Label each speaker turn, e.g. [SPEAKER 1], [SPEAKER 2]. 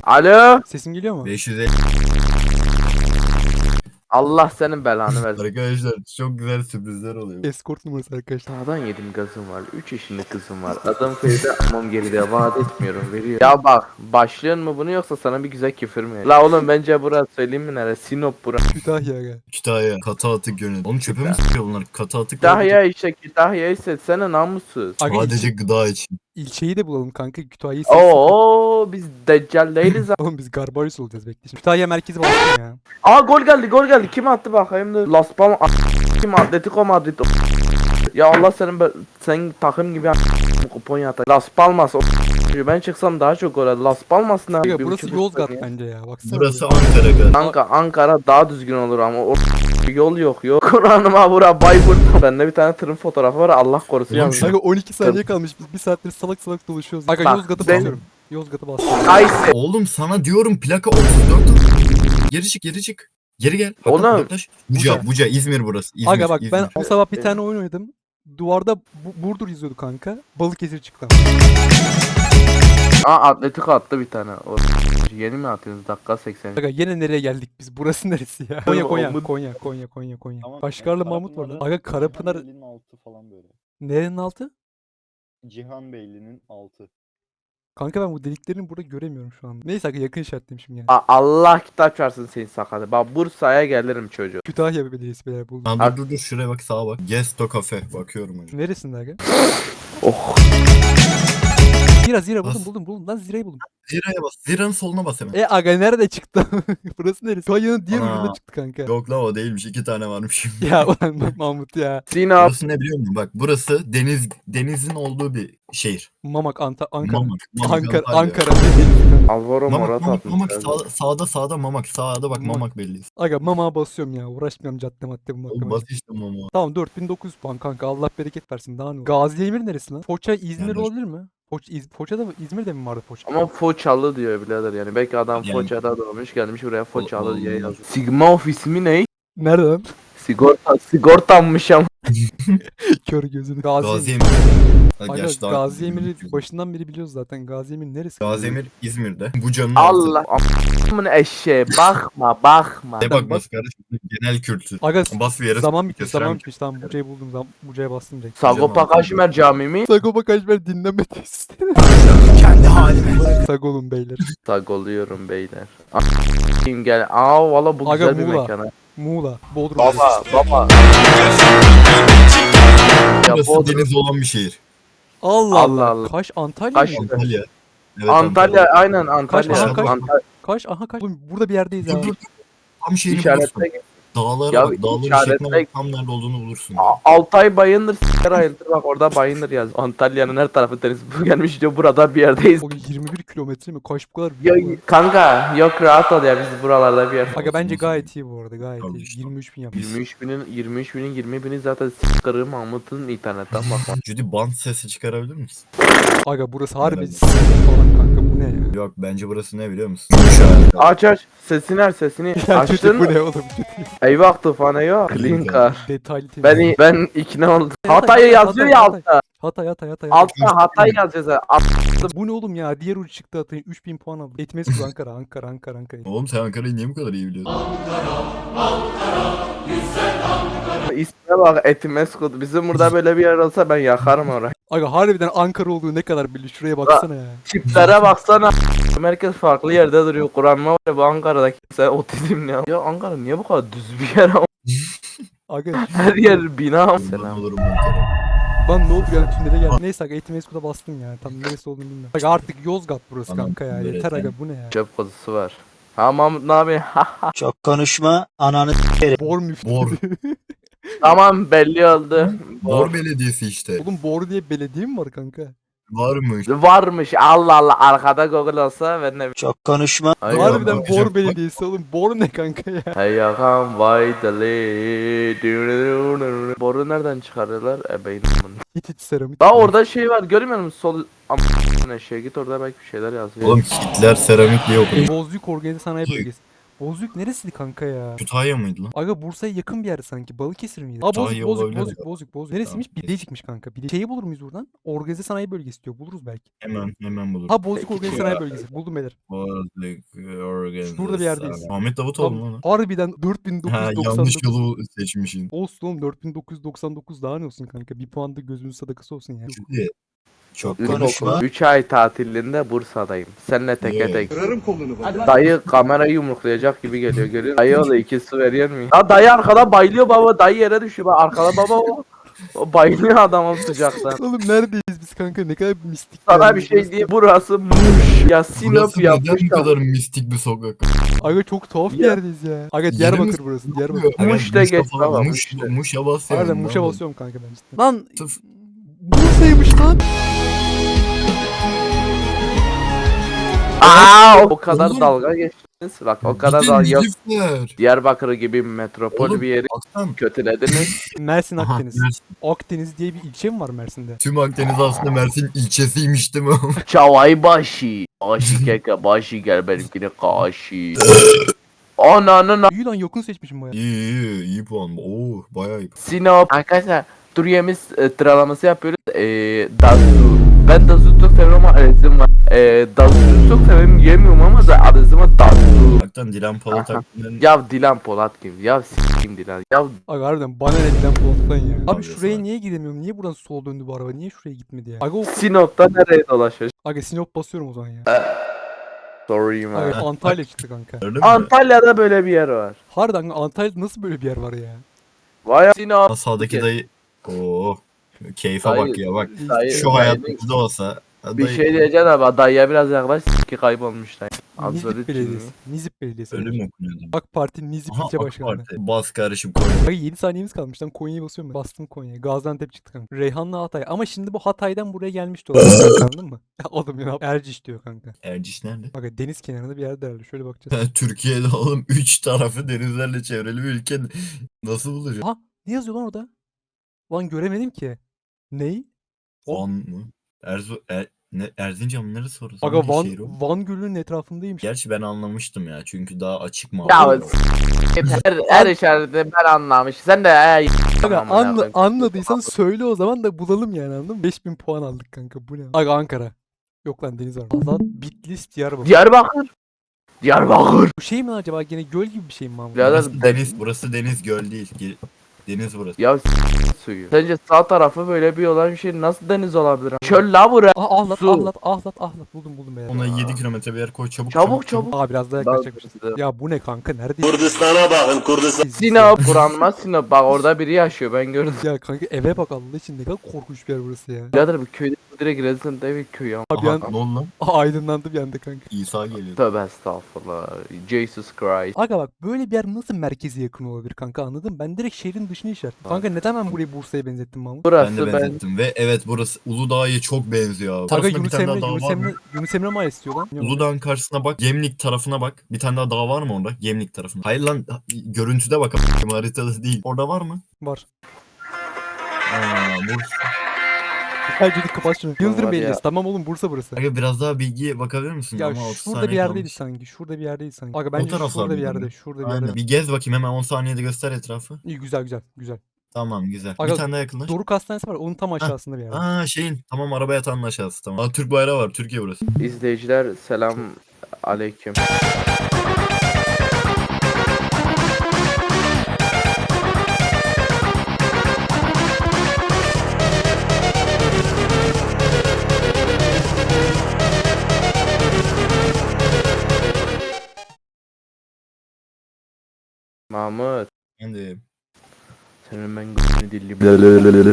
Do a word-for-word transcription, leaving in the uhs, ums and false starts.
[SPEAKER 1] Alo.
[SPEAKER 2] Sesim geliyor mu?
[SPEAKER 3] beş yüz elli.
[SPEAKER 1] Allah senin belanı versin.
[SPEAKER 3] Arkadaşlar çok güzel sürprizler oluyor.
[SPEAKER 2] Escort numarası arkadaşlar.
[SPEAKER 1] Sağdan yedim gazım var. üç yaşında kızım var. Adam köyde amam geride vaat etmiyorum veriyor. Ya bak başlıyor mu bunu yoksa sana bir güzel küfür mü? La oğlum bence burası söyleyeyim mi nere? Sinop burası.
[SPEAKER 2] Kütahya aga.
[SPEAKER 3] Kütahya katı atık yönü. Oğlum çöpe mi sıkıyor bunlar? Katı atık.
[SPEAKER 1] Kütahya işte Kütahya hissetsene namussuz.
[SPEAKER 2] Aga
[SPEAKER 3] Sadece
[SPEAKER 2] ilçe,
[SPEAKER 3] gıda için.
[SPEAKER 2] ilçeyi de bulalım kanka. Kütahya'yı seçsin.
[SPEAKER 1] Oo biz deccal değiliz.
[SPEAKER 2] Oğlum biz Garbarius olacağız bekle. Şimdi Kütahya merkezi bakalım ya.
[SPEAKER 1] Aa gol geldi gol geldi. Kim attı bakayım da. Las Palmas a- kim Atletico Madrid. Ya Allah senin be- sen takım gibi a- kupon yata. Las Palmas o- ben çıksam daha çok gol. Las Palmas ne?
[SPEAKER 2] Aga
[SPEAKER 1] Bir
[SPEAKER 2] burası
[SPEAKER 1] buçuk
[SPEAKER 2] Yozgat
[SPEAKER 1] saniye.
[SPEAKER 2] bence ya. Baksana.
[SPEAKER 3] Burası
[SPEAKER 2] buraya.
[SPEAKER 3] Ankara galiba.
[SPEAKER 1] Kanka Ankara daha düzgün olur ama o yol yok yok. Kur'an'ıma bura Bayburt. Bende bir tane tırın fotoğrafı var Allah korusun
[SPEAKER 3] Oğlum
[SPEAKER 1] yalnız.
[SPEAKER 3] şu-
[SPEAKER 2] Aga on iki saniye kalmış. Biz bir saattir salak salak dolaşıyoruz. Aga
[SPEAKER 1] Bak,
[SPEAKER 2] Yozgat'ı
[SPEAKER 1] ben-
[SPEAKER 2] basıyorum. Yozgat'ı basıyorum.
[SPEAKER 1] Kayseri.
[SPEAKER 3] Oğlum sana diyorum plaka otuz dört. Geri çık geri çık. Geri gel. Bak,
[SPEAKER 1] Oğlum.
[SPEAKER 3] bak, yaklaş. Buca,
[SPEAKER 2] Buca.
[SPEAKER 3] Buca, İzmir burası. İzmir,
[SPEAKER 2] Aga bak ben
[SPEAKER 3] İzmir.
[SPEAKER 2] o sabah bir tane oyun oynadım. Duvarda Bu- Burdur yazıyordu kanka. Balıkesir çıktı.
[SPEAKER 1] Aa Atletico attı bir tane. O yeni mi atıyorsunuz dakika seksen?
[SPEAKER 2] Aga yine nereye geldik biz? Burası neresi ya? Konya Konya
[SPEAKER 1] Umut-
[SPEAKER 2] Konya Konya Konya Konya.
[SPEAKER 4] Tamam,
[SPEAKER 2] Başkarlı
[SPEAKER 4] yani
[SPEAKER 2] Mahmut var lan.
[SPEAKER 4] Karapınar'ın
[SPEAKER 2] Aga Karapınar
[SPEAKER 4] Cihanbeyli'nin altı falan böyle.
[SPEAKER 2] nerenin altı?
[SPEAKER 4] Cihanbeyli'nin altı.
[SPEAKER 2] Kanka ben bu deliklerini burada göremiyorum şu anda. Neyse aga yakın işaretliyim şimdi yani.
[SPEAKER 1] Aa, Allah kitap versin senin sakalı. Bak Bursa'ya gelirim çocuğu.
[SPEAKER 2] Kütahya Belediyesi beyler buldum.
[SPEAKER 3] Ha, dur dur dur şuraya bak sağa bak. Gesto Cafe bakıyorum hocam.
[SPEAKER 2] Neresinde aga?
[SPEAKER 1] Oh.
[SPEAKER 2] Zira Zira buldum
[SPEAKER 3] Bas.
[SPEAKER 2] buldum buldum lan Zira'yı buldum.
[SPEAKER 3] Zira'ya bas. Zira'nın soluna bas hemen.
[SPEAKER 2] E aga nerede çıktı? Burası neresi? Kütahya'nın diğer
[SPEAKER 3] Ana.
[SPEAKER 2] ucunda çıktı kanka.
[SPEAKER 3] Yok lan o değilmiş. iki tane varmış.
[SPEAKER 2] Ya ulan bak Mahmut ya.
[SPEAKER 1] Sinop.
[SPEAKER 3] Burası ne biliyor musun? Bak burası deniz denizin olduğu bir şehir.
[SPEAKER 2] Mamak Anta Ankara.
[SPEAKER 3] Mamak. Mamak
[SPEAKER 2] Ankara
[SPEAKER 3] Antalya.
[SPEAKER 2] Ankara ne diyeyim?
[SPEAKER 1] Alvaro
[SPEAKER 3] Mamak,
[SPEAKER 1] Morata
[SPEAKER 3] Mamak,
[SPEAKER 1] atmış.
[SPEAKER 3] Mamak
[SPEAKER 1] herhalde.
[SPEAKER 3] sağda, sağda sağda Mamak. Sağda bak
[SPEAKER 2] Mamak.
[SPEAKER 3] Mamak belli.
[SPEAKER 2] Aga mama basıyorum ya. Uğraşmıyorum cadde madde bulmakla.
[SPEAKER 3] Oğlum bas işte Mamak.
[SPEAKER 2] Tamam dört bin dokuz yüz puan kanka. Allah bereket versin. Daha ne olur. Gaziemir neresi lan? Foça İzmir
[SPEAKER 3] Yani-
[SPEAKER 2] olabilir mi? Foça, İz, Foça'da mı? İzmir'de mi vardı Foça?
[SPEAKER 1] Ama Foçalı diyor birader yani. Belki adam
[SPEAKER 3] Yani-
[SPEAKER 1] Foça'da doğmuş gelmiş buraya Foçalı
[SPEAKER 3] Allah
[SPEAKER 1] diye
[SPEAKER 3] Allah.
[SPEAKER 1] yazmış. Sigma of ismi ne?
[SPEAKER 2] Nerede lan?
[SPEAKER 1] Sigorta, sigortanmış ama.
[SPEAKER 2] Kör gözünü. Gaziemir.
[SPEAKER 3] Gaziemir. Ha,
[SPEAKER 2] Aga
[SPEAKER 3] gerçi daha-
[SPEAKER 2] Gaziemir'i başından beri biliyoruz zaten. Gaziemir neresi?
[SPEAKER 3] Gaziemir İzmir'de. Buca'nın altı.
[SPEAKER 1] Allah. Amın eşeğe bakma bakma.
[SPEAKER 3] Ne bakması kardeşim? Genel kültür.
[SPEAKER 2] Aga
[SPEAKER 3] Bas bir yere.
[SPEAKER 2] zaman bitti
[SPEAKER 3] gösteren
[SPEAKER 2] zaman
[SPEAKER 3] bir-
[SPEAKER 2] bitmiş. Tamam Buca'yı buldum. Zaman, Buca'ya bastım direkt.
[SPEAKER 1] Sagopa Kaşmer Camii mi?
[SPEAKER 2] Sagopa Kajmer dinleme testi.
[SPEAKER 3] Kendi halime bırak.
[SPEAKER 2] Sagolun beyler.
[SPEAKER 1] Sagoluyorum beyler. A**ayım gel. Aa valla bu
[SPEAKER 2] Aga,
[SPEAKER 1] güzel bir
[SPEAKER 2] Muğla.
[SPEAKER 1] mekan. ha.
[SPEAKER 2] Muğla. Bodrum.
[SPEAKER 1] Baba baba. Ya
[SPEAKER 3] Burası
[SPEAKER 1] Bodrum.
[SPEAKER 3] deniz olan bir şehir.
[SPEAKER 2] Allah
[SPEAKER 1] Allah
[SPEAKER 2] Allah.
[SPEAKER 1] Allah.
[SPEAKER 2] Kaş Antalya
[SPEAKER 1] Kaş-
[SPEAKER 2] mı?
[SPEAKER 3] Antalya. Evet,
[SPEAKER 1] Antalya aynen Antalya.
[SPEAKER 2] Kaş, aha, Kaş.
[SPEAKER 1] Antalya
[SPEAKER 2] Kaş aha kaş. Oğlum burada bir yerdeyiz ya.
[SPEAKER 3] Dur dur. Tam şeyini bulursun.
[SPEAKER 1] işaretle.
[SPEAKER 3] Dağlara
[SPEAKER 1] Ya
[SPEAKER 3] bak. Dağların
[SPEAKER 1] işaretle-
[SPEAKER 3] şekline bak. Tam nerede olduğunu bulursun.
[SPEAKER 1] A- Altay Bayındır s**ler ayıldır bak orada Bayındır yaz. Antalya'nın her tarafı deniz. Bu gelmiş diyor burada bir yerdeyiz.
[SPEAKER 2] O yirmi bir kilometre mi? Kaş bu kadar
[SPEAKER 1] Ya,
[SPEAKER 2] büyük mü?
[SPEAKER 1] kanka yok rahat ol ya biz buralarda bir yer.
[SPEAKER 2] Aga bence
[SPEAKER 3] Olsun,
[SPEAKER 2] gayet iyi bu arada gayet
[SPEAKER 3] Tabii
[SPEAKER 2] iyi.
[SPEAKER 3] işte.
[SPEAKER 2] yirmi üç bin yapmış.
[SPEAKER 1] yirmi üç binin yirmi üç binin yirmi bini zaten s**kırı Mahmut'un internetten bak.
[SPEAKER 3] Judy band sesi çıkarabilir misin?
[SPEAKER 2] Aga burası harbi
[SPEAKER 3] Merhaba.
[SPEAKER 2] s**k falan kanka bu ne ya?
[SPEAKER 3] Yok bence burası ne biliyor musun? Gümüşhane.
[SPEAKER 1] Aç aç sesini aç sesini.
[SPEAKER 2] Ya kötü
[SPEAKER 1] Açtın
[SPEAKER 2] bu
[SPEAKER 1] mı?
[SPEAKER 2] ne oğlum kötü.
[SPEAKER 1] Eyvah tufana yok. Clean car.
[SPEAKER 2] Detaylı temiz.
[SPEAKER 1] Ben, ben ikna oldum.
[SPEAKER 2] Hatay,
[SPEAKER 1] Hatay'ı
[SPEAKER 2] Hatay,
[SPEAKER 1] yazıyor ya
[SPEAKER 2] Hatay.
[SPEAKER 1] altta.
[SPEAKER 2] Hatay Hatay Hatay. Hatay.
[SPEAKER 1] Altta Hatay yazıyor zaten. Alt-
[SPEAKER 2] Bu ne oğlum ya? Diğer ucu çıktı Hatay'ın üç bin puan aldı. Etmez Ankara Ankara Ankara Ankara.
[SPEAKER 3] Oğlum sen Ankara'yı niye bu kadar iyi biliyorsun?
[SPEAKER 1] İsmine bak Etimeskut. Bizim burada böyle bir yer olsa ben yakarım orayı.
[SPEAKER 2] Aga harbiden Ankara olduğu ne kadar belli. Şuraya baksana ya.
[SPEAKER 1] Tiplere baksana. Merkez farklı yerde duruyor. Kur'an'ma var ya bu Ankara'daki sen otizm ne? Ya Ankara niye bu kadar düz bir yer?
[SPEAKER 2] Aga
[SPEAKER 1] Her yer bina.
[SPEAKER 3] Ben
[SPEAKER 1] Selam.
[SPEAKER 3] olurum Ankara.
[SPEAKER 2] lan ne oldu yani tünele geldi. Neyse aga Etimesgut'a bastım ya. Tam neresi olduğunu bilmiyorum. Aga artık Yozgat burası
[SPEAKER 3] Anam,
[SPEAKER 2] kanka ya.
[SPEAKER 3] evet,
[SPEAKER 2] Yeter aga
[SPEAKER 3] yani.
[SPEAKER 2] bu ne ya?
[SPEAKER 1] Çöp kuzusu var. Ha Mahmut ne yapayım?
[SPEAKER 5] Çok konuşma ananı
[SPEAKER 2] Bor müftü.
[SPEAKER 3] Bor.
[SPEAKER 1] Tamam belli oldu.
[SPEAKER 3] Bor Belediyesi işte.
[SPEAKER 2] Oğlum Bor diye belediye mi var kanka?
[SPEAKER 3] Varmış.
[SPEAKER 1] Varmış Allah Allah arkada Google olsa ben ne
[SPEAKER 5] çok konuşma
[SPEAKER 1] Ay
[SPEAKER 3] Doğru.
[SPEAKER 1] ya.
[SPEAKER 2] Harbiden
[SPEAKER 3] bakacağım.
[SPEAKER 2] Bor belediyesi oğlum. Bor ne kanka ya?
[SPEAKER 1] Hey yakam vay deli. Boru nereden çıkarıyorlar? Ebeğin amına.
[SPEAKER 2] Hiç hiç seramik.
[SPEAKER 1] Daha orada şey var görmüyor musun? Sol am şey git orada belki bir şeyler yazıyor.
[SPEAKER 3] Oğlum Hitler seramik diye okudum.
[SPEAKER 2] Bozüyük Organize Sanayi Bölgesi. Bozüyük neresiydi kanka ya?
[SPEAKER 3] Kütahya mıydı lan?
[SPEAKER 2] Aga Bursa'ya yakın bir yer sanki. Balıkesir miydi? Aa Bozüyük,
[SPEAKER 3] Kütahya
[SPEAKER 2] Bozüyük,
[SPEAKER 3] olabilir
[SPEAKER 2] Bozüyük,
[SPEAKER 3] ya.
[SPEAKER 2] Bozüyük, Bozüyük. Neresiymiş?
[SPEAKER 3] Tamam,
[SPEAKER 2] Bilecik'miş kanka. Bile şeyi bulur muyuz buradan? Organize sanayi bölgesi diyor. Buluruz belki.
[SPEAKER 3] Hemen hemen bulur.
[SPEAKER 2] Ha Bozüyük
[SPEAKER 1] Peki,
[SPEAKER 2] Organize
[SPEAKER 3] ya.
[SPEAKER 2] Sanayi Bölgesi. Buldum beyler.
[SPEAKER 3] Bozüyük Organize
[SPEAKER 2] Şurada bir yerdeyiz.
[SPEAKER 3] Sanayi. Ahmet Davutoğlu mu
[SPEAKER 2] Tam
[SPEAKER 3] lan?
[SPEAKER 2] harbiden
[SPEAKER 3] Ha, yanlış
[SPEAKER 2] 4999.
[SPEAKER 3] yolu seçmişsin.
[SPEAKER 2] Olsun oğlum dört bin dokuz yüz doksan dokuz daha ne olsun kanka. Bir puan da gözümüz sadakası olsun yani.
[SPEAKER 3] Şimdi çok
[SPEAKER 1] Üç
[SPEAKER 3] konuşma.
[SPEAKER 1] üç ay tatilinde Bursa'dayım. Seninle teke
[SPEAKER 3] Yeah.
[SPEAKER 1] tek. Dayı kamerayı yumruklayacak gibi geliyor. Görüyor musun? Dayı o da ikisi veriyor mu? Ha dayı arkada bayılıyor baba. Dayı yere düşüyor. Bak arkada baba o. O bayılıyor adamın sıcaktan.
[SPEAKER 2] Oğlum neredeyiz biz kanka? Ne kadar mistik.
[SPEAKER 1] Sana
[SPEAKER 2] yani
[SPEAKER 1] bir şey
[SPEAKER 2] burası.
[SPEAKER 1] diyeyim. Burası Muş. Ya Sinop
[SPEAKER 3] Burası neden
[SPEAKER 1] yapmış.
[SPEAKER 3] bu kadar mistik bir sokak?
[SPEAKER 2] Aga çok tuhaf bir
[SPEAKER 1] Ya.
[SPEAKER 2] yerdeyiz ya. Aga Diyarbakır burası. Diyarbakır.
[SPEAKER 3] Aga,
[SPEAKER 1] Muş'ta geç
[SPEAKER 3] falan,
[SPEAKER 1] baba,
[SPEAKER 3] Muş,
[SPEAKER 1] Muş'ta.
[SPEAKER 3] Muş'a bas yani.
[SPEAKER 2] Harbiden
[SPEAKER 3] ne
[SPEAKER 2] Muş'a
[SPEAKER 3] yapalım?
[SPEAKER 2] basıyorum kanka ben cidden. Lan
[SPEAKER 3] Tıf.
[SPEAKER 2] Bursa'ymış lan.
[SPEAKER 1] Aa o kadar
[SPEAKER 3] Oğlum.
[SPEAKER 1] dalga geçtiniz. Bak o kadar
[SPEAKER 3] Gidin
[SPEAKER 1] dalga yok.
[SPEAKER 3] herifler.
[SPEAKER 1] Diyarbakır gibi bir metropol
[SPEAKER 3] Oğlum,
[SPEAKER 1] bir yeri
[SPEAKER 3] Baksana.
[SPEAKER 1] kötülediniz.
[SPEAKER 2] Mersin
[SPEAKER 3] Aha,
[SPEAKER 2] Akdeniz.
[SPEAKER 3] Mersin.
[SPEAKER 2] Akdeniz diye bir ilçe mi var Mersin'de?
[SPEAKER 3] Tüm Akdeniz aslında Mersin ilçesiymiş değil mi?
[SPEAKER 1] Çavay başı. Başı keke başı gel benimkine kaşı. Ananın
[SPEAKER 2] İyi lan yakın seçmişim baya.
[SPEAKER 3] İyi iyi iyi puan. Oo bayağı iyi.
[SPEAKER 1] Sinop. Arkadaşlar Duriyemiz e, sıralaması yapıyoruz. E, Dazu. Ben Dazu'yu çok seviyorum ama arızım var. E, Dazu'yu çok seviyorum yemiyorum ama da arızıma Dazu.
[SPEAKER 3] Hakikaten Dilan Polat
[SPEAKER 1] Aha.
[SPEAKER 3] hakkında
[SPEAKER 1] Ya Dilan Polat kim? Ya s**kim Dilan. Ya
[SPEAKER 2] Aga harbiden bana ne giden Polat'tan ya. Abi
[SPEAKER 3] Abi
[SPEAKER 2] şuraya
[SPEAKER 3] sana.
[SPEAKER 2] niye gidemiyorum? Niye buradan sol döndü bu araba? Niye şuraya gitmedi ya? Aga, o...
[SPEAKER 1] Sinop'ta nereye dolaşıyor?
[SPEAKER 2] Aga Sinop basıyorum o zaman ya.
[SPEAKER 1] Sorry man.
[SPEAKER 2] Aga Antalya çıktı kanka.
[SPEAKER 3] gördün mü?
[SPEAKER 1] Antalya'da böyle bir yer var.
[SPEAKER 2] Harbiden Antalya'da nasıl böyle bir yer var ya?
[SPEAKER 1] Vay Sinop.
[SPEAKER 3] Aa, sağdaki dayı. Oo. Keyfe
[SPEAKER 1] Dayı-
[SPEAKER 3] bak ya bak.
[SPEAKER 1] Dayı-
[SPEAKER 3] Şu
[SPEAKER 1] dayı-
[SPEAKER 3] hayatımızda olsa.
[SPEAKER 1] Bir
[SPEAKER 3] dayı-
[SPEAKER 1] şey diyeceğim ama dayıya biraz yaklaş ki kaybolmuş dayı.
[SPEAKER 2] Nizip
[SPEAKER 1] Absolut
[SPEAKER 2] Belediyesi.
[SPEAKER 1] kimi?
[SPEAKER 2] Nizip Belediyesi.
[SPEAKER 3] Ölüm okunuyordu.
[SPEAKER 2] AK Parti Nizip
[SPEAKER 3] Aha
[SPEAKER 2] ilçe
[SPEAKER 3] AK
[SPEAKER 2] başkanı.
[SPEAKER 3] Parti. Bas karışım koy.
[SPEAKER 2] Aga yedi saniyemiz kalmış lan Konya'ya basıyorum ben. Bastım Konya'ya. Gaziantep çıktı kanka. Reyhan'la Hatay. Ama şimdi bu Hatay'dan buraya gelmişti o zaman kanka, anladın mı? Ya oğlum ya Erciş diyor kanka.
[SPEAKER 3] Erciş nerede?
[SPEAKER 2] Aga deniz kenarında bir yerde herhalde. Şöyle bakacağız.
[SPEAKER 3] Türkiye'de oğlum üç tarafı denizlerle çevrili bir ülke. Nasıl bulacak?
[SPEAKER 2] Aha ne yazıyor lan orada? Lan göremedim ki. Ney? o-
[SPEAKER 3] Van mı? Erzu er, ne Erzincan mı neresi orası?
[SPEAKER 2] Aga
[SPEAKER 3] Hangi
[SPEAKER 2] Van,
[SPEAKER 3] şehir o?
[SPEAKER 2] Van Gölü'nün etrafındaymış.
[SPEAKER 3] Gerçi ben anlamıştım ya çünkü daha açık mı?
[SPEAKER 1] Ya her, her işareti ben anlamış. Sen de ay.
[SPEAKER 2] Aga
[SPEAKER 1] Amına
[SPEAKER 2] anla,
[SPEAKER 1] koyayım.
[SPEAKER 2] anladıysan söyle o zaman da bulalım yani anladın mı? beş bin puan aldık kanka bu ne? Aga Ankara. Yok lan deniz var. Azat Bitlis Diyarbakır.
[SPEAKER 1] Diyarbakır. Diyarbakır.
[SPEAKER 2] Bu şey mi lan acaba gene göl gibi bir şey mi Mahmut?
[SPEAKER 1] Birader
[SPEAKER 3] Burası deniz, burası deniz göl değil. Ge- Deniz burası.
[SPEAKER 1] Ya s- suyu. Sence sağ tarafı böyle bir olan bir şey nasıl deniz olabilir? Çöl la bura.
[SPEAKER 2] Aa ahlat
[SPEAKER 1] Su.
[SPEAKER 2] ahlat ahlat ahlat buldum buldum beyler.
[SPEAKER 3] Ona yedi kilometre bir yer koy çabuk
[SPEAKER 1] Çabuk çabuk.
[SPEAKER 2] Aa biraz daha
[SPEAKER 1] Daha
[SPEAKER 2] yaklaşacakmışız.
[SPEAKER 1] hızlı.
[SPEAKER 2] Ya bu ne kanka neredeyiz?
[SPEAKER 6] Kurdistan'a bakın Kurdistan.
[SPEAKER 1] Sinop. Kur'an'ıma Sinop. Bak orada biri yaşıyor ben gördüm.
[SPEAKER 2] Ya kanka eve bak Allah için ne kadar korkunç bir yer burası ya.
[SPEAKER 1] Birader bir köyde direkt resident evi köy ya.
[SPEAKER 2] Abi
[SPEAKER 3] Aha,
[SPEAKER 2] yan...
[SPEAKER 3] ne oldu lan?
[SPEAKER 2] Aa, aydınlandı bir anda kanka.
[SPEAKER 3] İsa geliyor.
[SPEAKER 1] Tövbe estağfurullah. Jesus Christ.
[SPEAKER 2] Aga bak böyle bir yer nasıl merkeze yakın olabilir kanka anladın mı? Ben direkt şehrin dışını işaretledim. Kanka neden ben burayı Bursa'ya benzettim Mahmut?
[SPEAKER 3] Ben
[SPEAKER 1] Burası
[SPEAKER 3] de
[SPEAKER 1] ben.
[SPEAKER 3] benzettim ve evet burası Uludağ'a çok benziyor abi.
[SPEAKER 2] Aga
[SPEAKER 3] Tarafında bir
[SPEAKER 2] Yunus
[SPEAKER 3] tane
[SPEAKER 2] Emre,
[SPEAKER 3] daha dağ
[SPEAKER 2] Yunus
[SPEAKER 3] var
[SPEAKER 2] Emre,
[SPEAKER 3] mı?
[SPEAKER 2] Yunus Emre Mahallesi diyor lan.
[SPEAKER 3] Uludağ'ın karşısına bak. Gemlik tarafına bak. Bir tane daha dağ var mı orada? Gemlik tarafına. Hayır lan görüntüde bak. Haritada değil. Orada var mı?
[SPEAKER 2] Var.
[SPEAKER 3] Aa, Bursa.
[SPEAKER 2] Bence de kapat şunu. Yıldırım
[SPEAKER 1] Var ya.
[SPEAKER 2] Belediyesi. Tamam oğlum Bursa burası.
[SPEAKER 3] Aga biraz daha bilgiye bakabilir misin?
[SPEAKER 2] Ya
[SPEAKER 3] Ama otuz
[SPEAKER 2] şurada
[SPEAKER 3] saniye
[SPEAKER 2] bir yerdeydi
[SPEAKER 3] kalmış.
[SPEAKER 2] sanki. Şurada bir yerdeydi sanki. Aga bence
[SPEAKER 3] taraflarda
[SPEAKER 2] şurada bir
[SPEAKER 3] değil
[SPEAKER 2] yerde.
[SPEAKER 3] mi?
[SPEAKER 2] Şurada bir
[SPEAKER 3] Aynen.
[SPEAKER 2] yerde.
[SPEAKER 3] Bir gez bakayım hemen on saniyede göster etrafı.
[SPEAKER 2] İyi güzel güzel güzel.
[SPEAKER 3] Tamam güzel.
[SPEAKER 2] Aga,
[SPEAKER 3] bir tane daha yakınlaş.
[SPEAKER 2] Doruk Hastanesi var. Onun tam aşağısında bir yerde.
[SPEAKER 3] Aa şeyin tamam araba yatağının aşağısı tamam. Aa, Türk bayrağı var Türkiye burası.
[SPEAKER 1] İzleyiciler selam aleyküm. Mahmut.
[SPEAKER 3] Ben de
[SPEAKER 1] Senin ben gözünü dilli.